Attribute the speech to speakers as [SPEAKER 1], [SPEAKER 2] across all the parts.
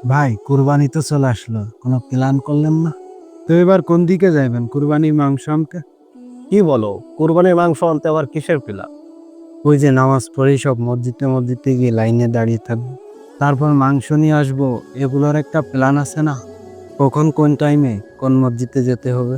[SPEAKER 1] ভাই কুরবানি তো চলে আসলো, কোনো প্ল্যান করলেন না? তো এবার কোন দিকে যাইবেন কুরবানির মাংস আনতে?
[SPEAKER 2] কি বলো, কোরবানির মাংস আনতে আবার কিসের পিলা?
[SPEAKER 1] ওই যে নামাজ পড়েই সব মসজিদে গিয়ে লাইনে দাঁড়িয়ে থাকবো, তারপর মাংস নিয়ে আসবো, এগুলোর একটা প্ল্যান আছে না? কখন কোন টাইমে কোন মসজিদে যেতে হবে?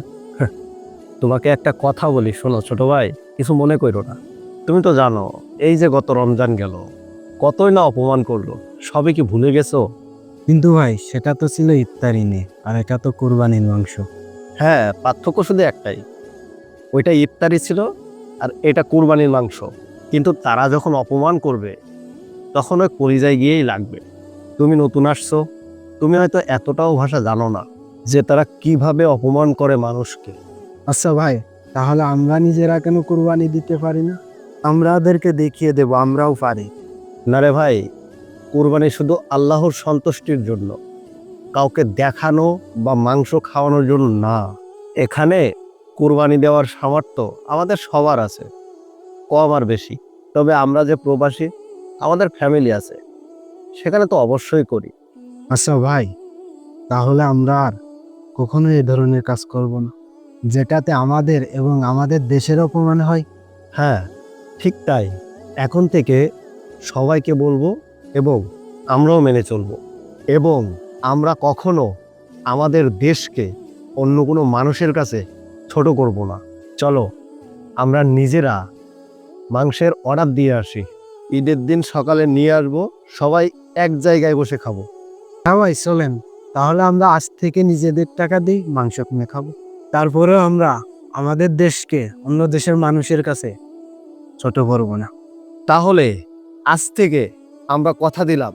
[SPEAKER 2] তোমাকে একটা কথা বলি, শোনো ছোট ভাই, কিছু মনে করো না। তুমি তো জানো, এই যে গত রমজান গেল, কতই না অপমান করলো, সবই কি ভুলে গেছো?
[SPEAKER 1] কিন্তু ভাই সেটা তো ছিল ইফতারি নিয়ে, আর এটা তো কুরবানির মাংস।
[SPEAKER 2] হ্যাঁ, পার্থক্য শুধু একটাই, ওইটা ইফতারি ছিল আর এটা কুরবানির মাংস। কিন্তু তারা যখন অপমান করবে, তখন ওই কলিজায় গিয়েই লাগবে। তুমি নতুন আসছো, তুমি হয়তো এতটাও ভাষা জানো না যে তারা কিভাবে অপমান করে মানুষকে।
[SPEAKER 1] আচ্ছা ভাই, তাহলে আমরা নিজেরা কেন কুরবানি দিতে পারি না? আমরা ওদেরকে দেখিয়ে দেব আমরাও পারি।
[SPEAKER 2] না রে ভাই, কুরবানি শুধু আল্লাহর সন্তুষ্টির জন্য, কাউকে দেখানো বা মাংস খাওয়ানোর জন্য না। এখানে কুরবানি দেওয়ার সামর্থ্য আমাদের সবার আছে, কম আর বেশি। তবে আমরা যে প্রবাসী, আমাদের ফ্যামিলি আছে, সেখানে তো অবশ্যই করি।
[SPEAKER 1] আচ্ছা ভাই, তাহলে আমরা আর কখনো এই ধরনের কাজ করব না, যেটাতে আমাদের এবং আমাদের দেশের অপমান হয়।
[SPEAKER 2] হ্যাঁ, ঠিক তাই। এখন থেকে সবাইকে বলবো এবং আমরাও মেনে চলবো। এবং আমরা কখনো আমাদের দেশকে অন্য কোনো মানুষের কাছে ছোট করব না। চলো, আমরা নিজেরা মাংসের অর্ডার দিয়ে আসি। ঈদের দিন সকালে নিয়ে আসবো, সবাই এক জায়গায় বসে খাবো।
[SPEAKER 1] হ্যাঁ ভাই চলেন, তাহলে আমরা আজ থেকে নিজেদের টাকা দিয়ে মাংস কিনে খাবো। তারপরেও আমরা আমাদের দেশকে অন্য দেশের মানুষের কাছে ছোট করব না।
[SPEAKER 2] তাহলে আজ থেকে আমরা কথা দিলাম,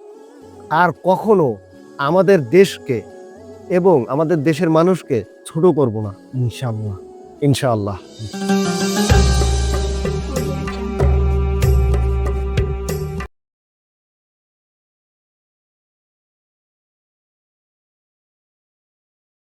[SPEAKER 2] আর কখনো আমাদের দেশকে এবং আমাদের দেশের মানুষকে ছোট করব না।
[SPEAKER 1] ইনশাআল্লাহ।
[SPEAKER 2] ইনশাআল্লাহ।